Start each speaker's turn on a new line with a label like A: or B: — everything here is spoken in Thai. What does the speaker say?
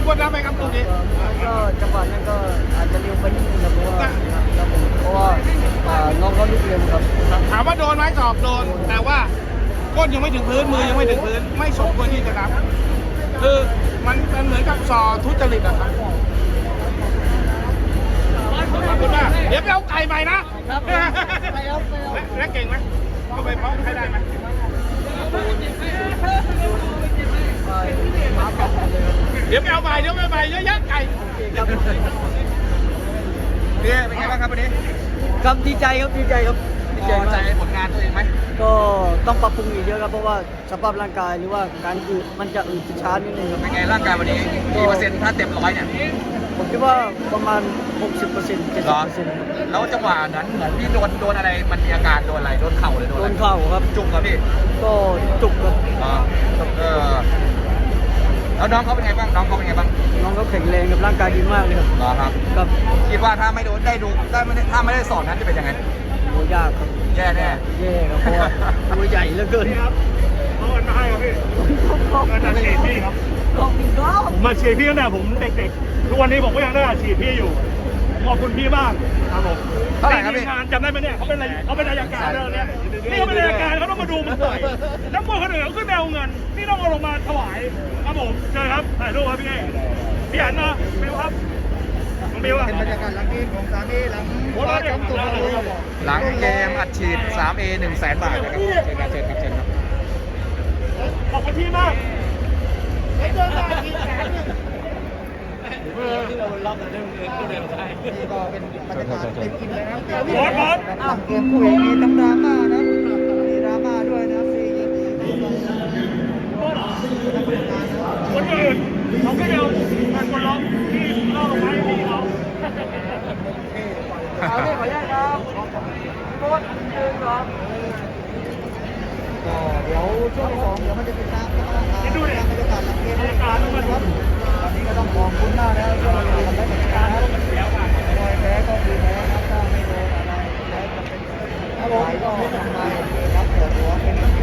A: กดดันไหมครับตรงนี้
B: ก็จังหวะนั้นก็อาจจะเร็วไปนิดนึงครับเพราะว่าน้องเขาลุกเร็วครับ
A: ถามว่าโดนไหมตอบโดนแต่ว่าก้นยังไม่ถึงพื้นมือยังไม่ถึงพื้นไม่สมควรที่จะนับคือมันเหมือนกับสอทุจริตอะครับขอบคุณมากเดี๋ยวไปเอาไก่ใหม่นะและเก่งไหมก็ไปเพาะให้ได้ไหมเดี๋ยวไปเอาใหม่เดี๋ยวไปใหม่เยอะแยะไก่
C: เนี่ยเป็นไงบ้างครับวันนี้
B: ครับดีใจครับดีใจครับ
C: พอใจผลงานตัวเองไหม
B: ก็ต้องปรับปรุงอีกเยอะครับเพราะว่าสภาพร่างกายหรือว่าการอืดมันจะอืดช้านิดนึงครับ
C: เป็นไงร่างกายวันนี้กี่เปอร์เซ็นต์ถ้าเต็ม100เนี่ย
B: ผมคิดว่าประมาณ 60% 70%
C: แล้วจังหวะนั้นเหมือนพี่โดนอะไรมันมีอาการโดนอะไรโดนเข่าเลยโดน
B: เข่าครับ
C: จุกครับพี่
B: ก็จุกครับ
C: แล้วน้องเขาเป็นไงบ้างน้องเขาเป็นไงบ้าง
B: น้องเขาแข็งแรงกับร่างกายดีมากเลยครับ
C: ครับ
B: ครับ
C: คิดว่าถ้าไม่โดนได้ดูถ้าไม่ได้สอนนั้นจะเป็นยังไง
B: โหยากครับ
C: แย่แน่
B: ครับเพราะว่าตัวใหญ่เหลือเกิน
A: เอาเงินมาให้ครับพี่เงินมาฉีดพี่ครับผมมาฉีดพี่ตั้งแต่ผมเด็กๆทุกวันนี้ผมก็ยังได้ฉีดพี่อยู่ขอบคุณพี่มากครับผม
C: เท่าไหร่ครับพี่
A: งานจำได้ไหมเนี่ยเขาเป็นอายการเนี่ยนี่เขาเป็นอายการเขาต้องมาดูมันต่อยนักมวยคนอื่นเขาขึ้นแนวเงินนี่ต้องเอาลงมาถวายครับผมเชิญครับถ่ายรูปครับพี่อันนะบิวครับบิว
B: เป็นบรรยากาศหลังเกมของ3Aหลัง
C: หลังเกมอัดฉีด 3A 100,000 บาทนะครับเชิญครับ
A: ขอบคุณพี่มาก
B: ที่เราล็อกกันเรื่องเดิมได้นี่ก็เป็นบรรยากาศเต็มอิ่มเลยนะหลังเกมคู่เอกมีทั้งดราม่านะมีดราม่าด้วยนะซีเกม
A: คนอื่นเขาไม่เดียวมันคนล็อกที่ล่อลงไปที่เรา
B: เอาที่ขออนุญาตครับโค้ชยืนก่อนก็เดี๋ยวช่วง2เดี๋ยวมันจะเป็นน้ำนะครับบรรยากาศหลังเกมนะครับวันนี้ก็ต้องขอบคุณมากนะครับที่เราทำได้เหมือนกันนะรอยแพ้ก็คือแพ้ครับถ้าไม่โดนอะไรแพ้จะเป็นอะไรก็ไม่ทำไมครับปวดหัวเป็น